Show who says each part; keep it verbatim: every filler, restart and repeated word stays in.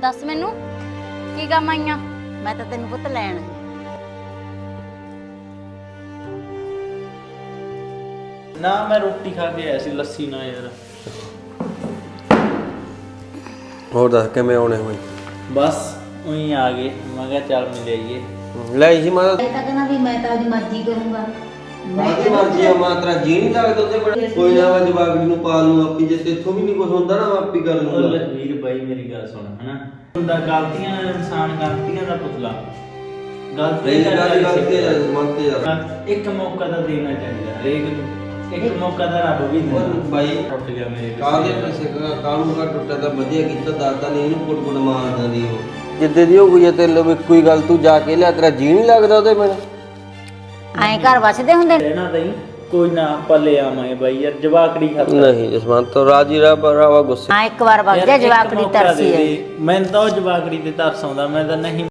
Speaker 1: दस मैनू की काम आईयां? मैं तो तेन पुत लैन
Speaker 2: ना मैं रोटी खा के आया सी लस्सी ना यार।
Speaker 3: ਹੋਰ ਦੱਸ ਕਿਵੇਂ ਆਉਣੇ ਹੋਏ?
Speaker 2: बस वहीं आ गए, मैं कहा चल मिल आइए।
Speaker 3: ਲੈ ਜੀ ਮੈਂ
Speaker 4: ਇਹ ਤਾਂ ਕਹਿੰਦਾ ਵੀ ਮੈਂ ਤਾਂ ਆਪਣੀ ਮਰਜ਼ੀ ਕਰੂੰਗਾ।
Speaker 3: ਮਾਤੀ ਮਰਜੀ ਆ ਮਾਂ ਤੇਰਾ ਜੀ ਨਹੀਂ ਲੱਗਦਾ ਉਹਦੇ ਬੜੇ ਕੋਈ ਨਾ ਮੈਂ ਜਵਾਗੜੀ ਨੂੰ ਪਾ ਲੂੰ ਆਪੀ ਜੇ ਤੇਥੋਂ ਵੀ ਨਹੀਂ ਕੁਝ ਹੁੰਦਾ ਨਾ ਮੈਂ ਆਪੀ ਕਰ
Speaker 2: ਉਹ
Speaker 3: ਲੂੰਗਾ।
Speaker 2: ਲਖਵੀਰ ਬਾਈ ਮੇਰੀ ਗੱਲ ਸੁਣ ਹਨਾ, ਹੁੰਦਾ ਗਲਤੀਆਂ ਦਾ ਇਨਸਾਨ ਗਲਤੀਆਂ ਦਾ ਪੁਤਲਾ ਗਲਤੀ
Speaker 3: ਇਹ ਗੱਲ ਗਲਤੀ ਹੈ ਮੰਨਤੇ ਜਾ
Speaker 2: ਇੱਕ ਮੌਕਾ ਤਾਂ ਦੇਣਾ ਚਾਹੀਦਾ ਹਰੇਕ ਨੂੰ, ਇੱਕ ਮੌਕਾ ਤਾਂ ਰੱਬ ਵੀ ਦਿੰਦਾ।
Speaker 3: ਉਹ ਬਾਈ
Speaker 2: ਟੁੱਟ ਗਿਆ ਮੇਰੇ
Speaker 3: ਕਾਹਦੇ ਪੈਸੇ ਕਾ ਕਾਹਨੂੰ ਕਾ ਟੁੱਟਾ ਤਾਂ ਵਧੀਆ ਕੀਤਾ ਦਾਤਾ ਨੇ ਇਹਨੂੰ ਕੁੱਟ ਕੁੱਟ ਮਾਰਦਾ ਦੀ ਉਹ ਜਿੱਦੇ ਦੀ ਹੋ ਗਈ ਤੇ ਲੋ ਕੋਈ ਗੱਲ ਤੂੰ ਜਾ ਕੇ ਲਿਆ ਤੇਰਾ ਜੀ ਨਹੀਂ ਲੱਗਦਾ ਉਹਦੇ ਮੈਨੂੰ
Speaker 1: ਐਂ घर बसदे हुंदे ने।
Speaker 2: ਰਹਿਣਾ ਤਾਂ ਕੋਈ ਨਾ ਆਪਾਂ ਲੈ ਆਵਾਂਗੇ ਬਾਈ ਯਾਰ ਜਵਾਕੜੀ ਖਾਤਰ।
Speaker 3: ਨਹੀਂ ਜਸਵੰਤ ਤੋਂ ਰਾਜੀ ਰਾ ਰਾਵਾ ਗੁੱਸੇ
Speaker 1: हाँ एक बार वग जा
Speaker 2: ਯਾਰ ਇੱਕ
Speaker 1: जवाकड़ी
Speaker 2: ਮੌਕਾ
Speaker 1: तरसी
Speaker 2: ਦੇ
Speaker 1: है।
Speaker 2: ਦੇ। ਮੈਨੂੰ ਤਾਂ ਉਹ ਜਵਾਕੜੀ ਤੇ ਤਰਸ ਆਉਂਦਾ, ਮੈਂ ਤਾਂ ਨਹੀਂ